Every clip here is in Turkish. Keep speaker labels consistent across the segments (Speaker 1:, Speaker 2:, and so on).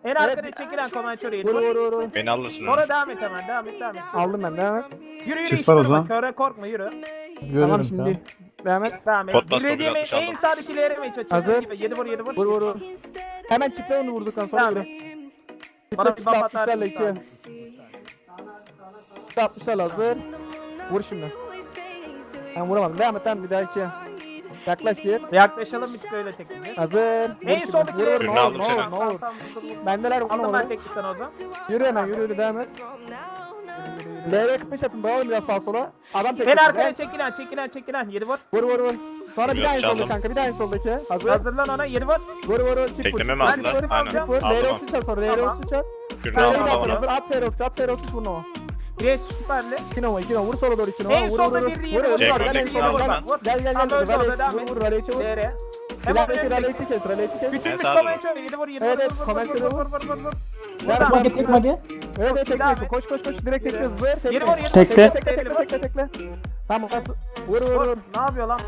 Speaker 1: En arkaya çekilen komentörü yedi.
Speaker 2: Vur.
Speaker 3: Beni alırsın.
Speaker 1: Sonra devam et hemen. Devam et.
Speaker 2: Aldım ben, devam et.
Speaker 1: Yürü
Speaker 4: Çift
Speaker 1: işte
Speaker 4: var o
Speaker 1: durma.
Speaker 4: zaman.
Speaker 1: Köre korkma yürü.
Speaker 2: Tamam şimdi. Devam et.
Speaker 1: Devam et.
Speaker 3: Pot bas,
Speaker 1: Dilediğimi
Speaker 3: top 60
Speaker 1: en
Speaker 3: aldım.
Speaker 1: sağdaki LR mi çek?
Speaker 2: Hazır.
Speaker 1: 7 vur 7 vur.
Speaker 2: Vur. Hemen çiftle onu vurduktan sonra
Speaker 1: Tamam.
Speaker 2: yürü.
Speaker 1: Bana bir
Speaker 2: Çiftle
Speaker 1: baf atar.
Speaker 2: 60'larla 2. 60'larla hazır. Vur şimdi. Ben vuramadım. Devam et bir daha 2. Yaklaş gir.
Speaker 1: Yaklaşalım bir tık öyle tekniği.
Speaker 2: Hazır. Vur
Speaker 1: En
Speaker 2: şimdi.
Speaker 1: soldaki
Speaker 2: Vur,
Speaker 1: LR.
Speaker 2: vur,
Speaker 3: Ürünü
Speaker 2: ne
Speaker 3: aldım
Speaker 2: olur,
Speaker 3: seni.
Speaker 2: ne olur. Bendeler vur, ne
Speaker 1: Aldım
Speaker 2: olur.
Speaker 1: ben tekli sana o zaman.
Speaker 2: Yürü hemen yürü devam et. LR 45 atın bağlı biraz sağa sola. Adam tek.
Speaker 1: En arkaya çekilen 7 vur.
Speaker 2: Vur. Sonra bir
Speaker 3: Yok,
Speaker 2: daha en solda
Speaker 3: çaldım.
Speaker 2: kanka, bir daha en soldaki. Hazır.
Speaker 1: Hazırlan ona 7 vur.
Speaker 2: Vur. Çift vur.
Speaker 3: Tekleme mi
Speaker 2: Ben
Speaker 3: aldılar?
Speaker 2: vur,
Speaker 3: Aynen.
Speaker 2: vur.
Speaker 3: Aldım
Speaker 2: LR
Speaker 3: onu.
Speaker 2: 33 at sonra. LR
Speaker 1: Tamam.
Speaker 2: 33 at.
Speaker 3: Kürünü
Speaker 2: Sen
Speaker 3: aldım
Speaker 2: LR
Speaker 3: onu.
Speaker 2: hazır. At FR 33 vur Nova.
Speaker 1: Gres süperli.
Speaker 2: 2 Nova 2 Nova. Vur sola doğru 2 Nova.
Speaker 1: En
Speaker 2: Vur.
Speaker 1: solda
Speaker 2: Vur.
Speaker 1: bir yeri
Speaker 2: Vur.
Speaker 1: vur.
Speaker 3: Jack
Speaker 2: Gel en
Speaker 3: Protect'ini
Speaker 2: sola
Speaker 3: aldım
Speaker 2: gel.
Speaker 3: ben.
Speaker 2: Gel.
Speaker 1: Tamam, öyle oldu, devam et.
Speaker 2: Vur. Raleigh çevir.
Speaker 1: LR. Hemen
Speaker 2: Raleigh
Speaker 1: öyle.
Speaker 2: Raleigh kes. Raleigh kes.
Speaker 1: Küçülmüş
Speaker 3: sağ ol.
Speaker 1: komentör 7 vur 7
Speaker 2: Evet,
Speaker 1: vur.
Speaker 2: komentörü vur.
Speaker 1: Vur.
Speaker 2: Ver
Speaker 1: Buradan.
Speaker 2: tek magi. Evet
Speaker 1: Devam
Speaker 2: tekle.
Speaker 1: et.
Speaker 2: Koş. Direkt tekliyoruz. Zır.
Speaker 1: Yedi vur, yedi vur.
Speaker 2: Tekle. Tamam. Vur.
Speaker 1: Vur. Ne yapıyor lan?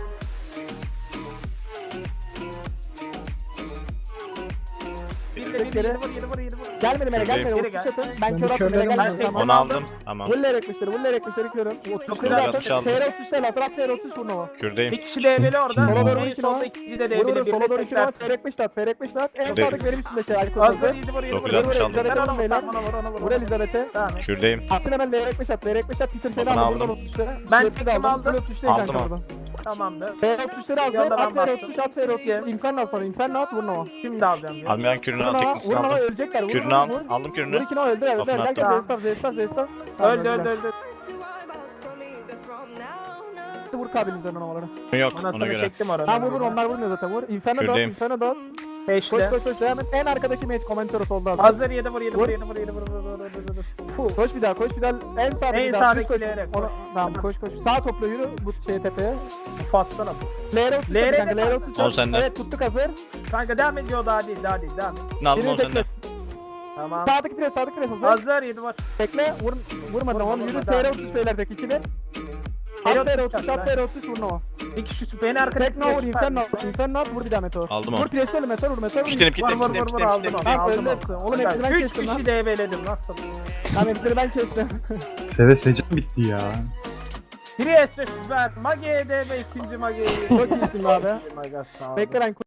Speaker 1: Yedi vur.
Speaker 2: Gelmedi bana.
Speaker 1: Geri
Speaker 2: 33
Speaker 1: gel.
Speaker 2: atın. Ben kör attım.
Speaker 4: körledim
Speaker 2: Bana
Speaker 4: ben.
Speaker 2: gelmedi. Tamam.
Speaker 3: Onu aldım. Tamam.
Speaker 2: Vuller ekmişleri körüm.
Speaker 3: Çok
Speaker 2: 30
Speaker 3: güzel
Speaker 2: atın.
Speaker 3: atış aldım.
Speaker 2: TR 33 lazım. At TR 33 vur Nova.
Speaker 3: Kürdeyim.
Speaker 1: Bir kişi DB'li orada.
Speaker 2: Sola doğru
Speaker 1: En
Speaker 2: 2
Speaker 1: solda
Speaker 2: Nova.
Speaker 1: ikinci de
Speaker 2: Vur.
Speaker 1: DB'li.
Speaker 2: Sola doğru 2 Nova. TR 45 at. TR 45 at. En
Speaker 3: Kürdeyim.
Speaker 2: sağdaki benim üstümdeki. Aykut
Speaker 1: Hazır
Speaker 2: hazır.
Speaker 1: 7 vur 7 vur.
Speaker 3: 960 aldım.
Speaker 2: Elizabeth'e vurun beyler.
Speaker 1: Ona
Speaker 2: Vur Elizabeth'e.
Speaker 1: Devam et.
Speaker 3: Kürdeyim.
Speaker 2: Atın hemen LR 45 at. LR 45 at. Peter seni
Speaker 3: Onu
Speaker 2: aldım.
Speaker 3: aldım.
Speaker 1: Ben
Speaker 2: Hepsi de
Speaker 1: tekimi aldım.
Speaker 2: 33'te
Speaker 3: Aldım
Speaker 2: kanka
Speaker 3: onu.
Speaker 2: buradan.
Speaker 1: Tamamdır.
Speaker 2: TR 33'leri hazır.
Speaker 1: Yandan
Speaker 2: At TR
Speaker 1: bastım.
Speaker 2: 33 at TR 33. İmkanla sonra. İmkanla at vur Nova.
Speaker 1: Şimdi alacağım. ya.
Speaker 3: Almayan kürünü al. Teknisini
Speaker 2: Vur Nova
Speaker 3: aldım.
Speaker 2: ölecekler. Vur.
Speaker 3: Kürünü al.
Speaker 2: Vur.
Speaker 3: Aldım
Speaker 2: Vur
Speaker 3: kürünü.
Speaker 2: 2 Nova öldü.
Speaker 3: Kafana
Speaker 2: Gel
Speaker 3: attım.
Speaker 2: Zestaf.
Speaker 1: Öldü.
Speaker 2: Vur kabinin üzerine Nova'ları.
Speaker 3: Yok ona
Speaker 1: Anasını
Speaker 3: göre.
Speaker 1: çektim orada.
Speaker 2: Tamam vur onlar vurmuyor zaten vur. Inferno dot,
Speaker 3: Kürdeyim.
Speaker 2: Inferno dot.
Speaker 1: Peşte.
Speaker 2: Koş devam et. En arkadaki mage komentörü solda hazır.
Speaker 1: Hazır 7 vur.
Speaker 2: Vur. Koş bir daha. En sağdaki
Speaker 1: En
Speaker 2: bir daha.
Speaker 1: sağdaki
Speaker 2: Koş.
Speaker 1: LR,
Speaker 2: Ona-
Speaker 1: koş.
Speaker 2: Tamam koş. Sağ topla yürü bu tepeye.
Speaker 1: Fatsana.
Speaker 2: LR 33
Speaker 1: LR
Speaker 2: kanka. LR 33.
Speaker 3: On sende.
Speaker 2: Evet tuttuk hazır.
Speaker 1: Kanka devam ediyor daha değil. Devam et.
Speaker 3: Ne aldım
Speaker 2: Birini
Speaker 3: onu sende.
Speaker 2: tekle.
Speaker 1: Tamam.
Speaker 2: Sağdaki pres hazır.
Speaker 1: Hazır 7 vur.
Speaker 2: Tekle. Vurmadan onu yürü.
Speaker 1: Vurmadan,
Speaker 2: TR
Speaker 1: devam.
Speaker 2: 33 beyler tek ikili.
Speaker 1: TR
Speaker 2: At TR 33
Speaker 1: at,
Speaker 2: at TR 33 vur Nova.
Speaker 1: Bir kişi süper. En arkada.
Speaker 2: Tekno vur Inferno at vur bir daha Meteor.
Speaker 3: Aldım
Speaker 2: Vur
Speaker 3: onu.
Speaker 2: presle öyle Meteor vur.
Speaker 3: Kitledim.
Speaker 1: Aldım onu.
Speaker 2: Tamam
Speaker 1: Aldım
Speaker 2: öldü
Speaker 1: onu.
Speaker 2: hepsi. Oğlum hepsini ben
Speaker 1: 3
Speaker 2: kestim lan.
Speaker 1: kişi DB'ledim nasıl?
Speaker 2: Tamam hepsini ben kestim.
Speaker 4: Seve secam bitti ya.
Speaker 1: Biri Esre süper. Mage DB ikinci Mage.
Speaker 2: Çok iyisin be abi.
Speaker 1: Maga sağ ol.
Speaker 2: Bekle ben